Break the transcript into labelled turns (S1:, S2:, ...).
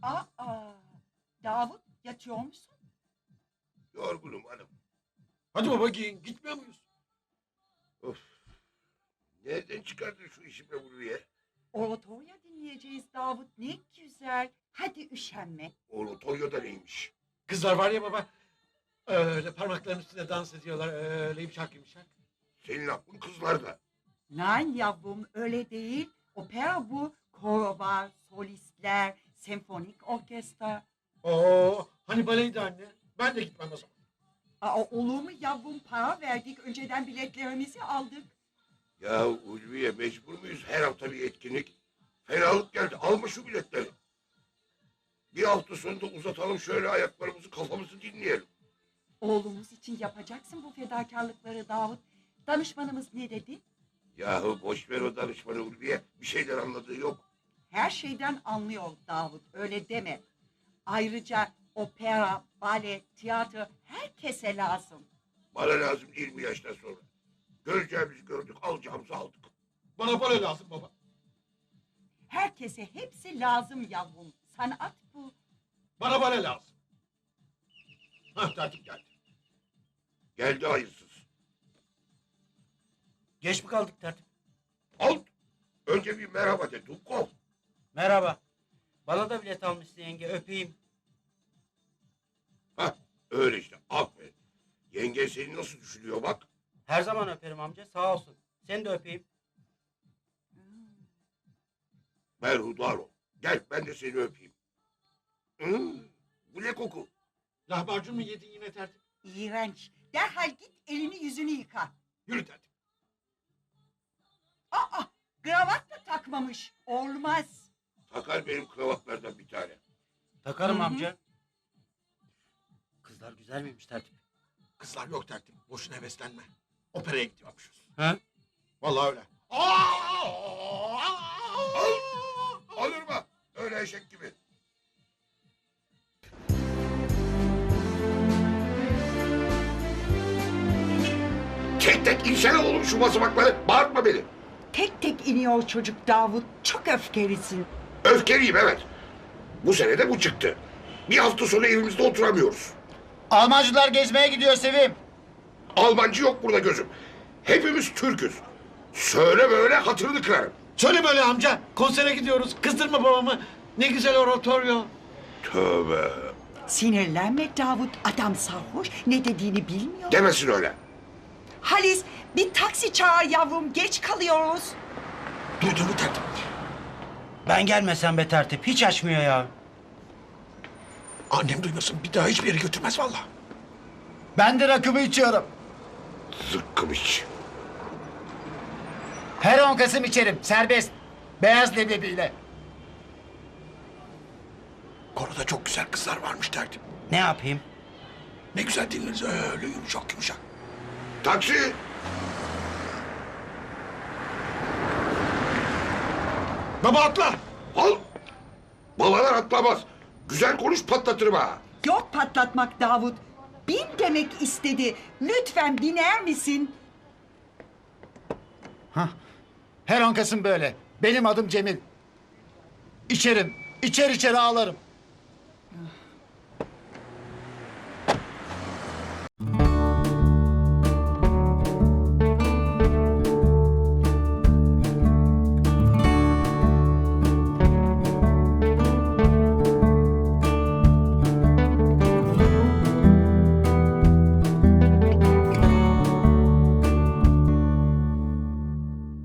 S1: Aa, Davut yatıyor musun?
S2: Yorgunum hanım.
S3: Hadi baba giyin. Gitmiyor muyuz?
S2: Of. Nereden çıkardın şu işi be buraya?
S1: Oratoria dinleyeceğiz Davut. Ne güzel. Hadi üşenme.
S2: Oratorya'da neymiş?
S3: Kızlar var ya baba. Öyle parmaklarının üstünde dans ediyorlar. Öyle yumuşak yumuşak.
S2: Senin aklın kızlarda.
S1: Nein yavrum öyle değil. Opera bu. Koro var, solistler, senfonik orkestra.
S3: Oo, hani baleydi anne. Ben de gitmem o zaman.
S1: Olur mu yavrum, para verdik. Önceden biletlerimizi aldık.
S2: Ya Ulviye, mecbur muyuz her hafta bir etkinlik? Fenalık geldi. Alma şu biletleri. Bir hafta sonunda uzatalım şöyle ayaklarımızı, kafamızı dinleyelim.
S1: Oğlumuz için yapacaksın bu fedakarlıkları Davut. Danışmanımız ne dedi?
S2: Yahu boş ver o danışmanı Ulviye. Bir şeyler anladığı yok.
S1: Her şeyden anlıyor Davut. Öyle deme. Ayrıca opera, bale, tiyatro herkese lazım.
S2: Bana lazım 20 yaştan sonra. Göreceğimizi gördük, alacağımızı aldık.
S3: Bana bale lazım baba.
S1: Herkese hepsi lazım yavrum. Sanat bu.
S3: Bana bale lazım. Hah tertip geldi.
S2: Geldi hayırsız.
S4: Geç mi kaldık tertip?
S2: Al. Önce bir merhaba de Dukov.
S4: Merhaba. Bana da bilet almışsın yenge, öpeyim.
S2: Hah öyle işte, aferin. Yengen seni nasıl düşünüyor bak.
S4: Her zaman öperim amca, sağ olsun. Seni de öpeyim.
S2: Berhudar ol. Gel ben de seni öpeyim. Bu ne koku?
S3: Lahmacun mu yedin yine tertip?
S1: İğrenç. Derhal git elini yüzünü yıka.
S3: Yürü tertip.
S1: Kravat da takmamış. Olmaz.
S2: Takar benim kravatlardan bir tane.
S4: Takarım
S1: Hı hı.
S4: amca. Kızlar güzel miymiş tertip?
S3: Kızlar yok tertip. Boşuna heveslenme. Operaya gidiyormuşuz.
S4: Ha?
S3: Vallahi öyle.
S2: Olur mu? Öyle eşek gibi. Tek tek insene oğlum şu basamakları. Bağırtma beni.
S1: Tek tek iniyor çocuk Davut. Çok öfkelisin.
S2: Öfkeliyim evet. Bu sene de bu çıktı. Bir hafta sonra evimizde oturamıyoruz.
S5: Almancılar gezmeye gidiyor Sevim.
S2: Almancı yok burada gözüm. Hepimiz Türk'üz. Söyle böyle hatırını kırarım.
S3: Söyle böyle amca. Konsere gidiyoruz. Kızdırma babamı. Ne güzel oratoryo.
S2: Tövbe.
S1: Sinirlenme Davut. Adam sarhoş. Ne dediğini bilmiyor.
S2: Demesin öyle.
S1: Halis bir taksi çağır yavrum. Geç kalıyoruz.
S3: Duydun mu tertip?
S4: Ben gelmesem be tertip, hiç açmıyor ya.
S3: Annem duymasın. Bir daha hiçbir yere götürmez vallahi.
S5: Ben de rakımı içiyorum.
S2: Zıkkım iç.
S5: Her 10 Kasım içerim. Serbest. Beyaz leblebiyle.
S3: Koroda çok güzel kızlar varmış tertip.
S4: Ne yapayım?
S3: Ne güzel dinleriz öyle yumuşak yumuşak.
S2: Taksi.
S3: Baba atla.
S2: Al. Babalar atlamaz. Güzel konuş patlatırım ha.
S1: Yok patlatmak Davut. Bin demek istedi. Lütfen biner misin?
S5: Her 10 Kasım böyle. Benim adım Cemil. İçerim. İçer içer ağlarım.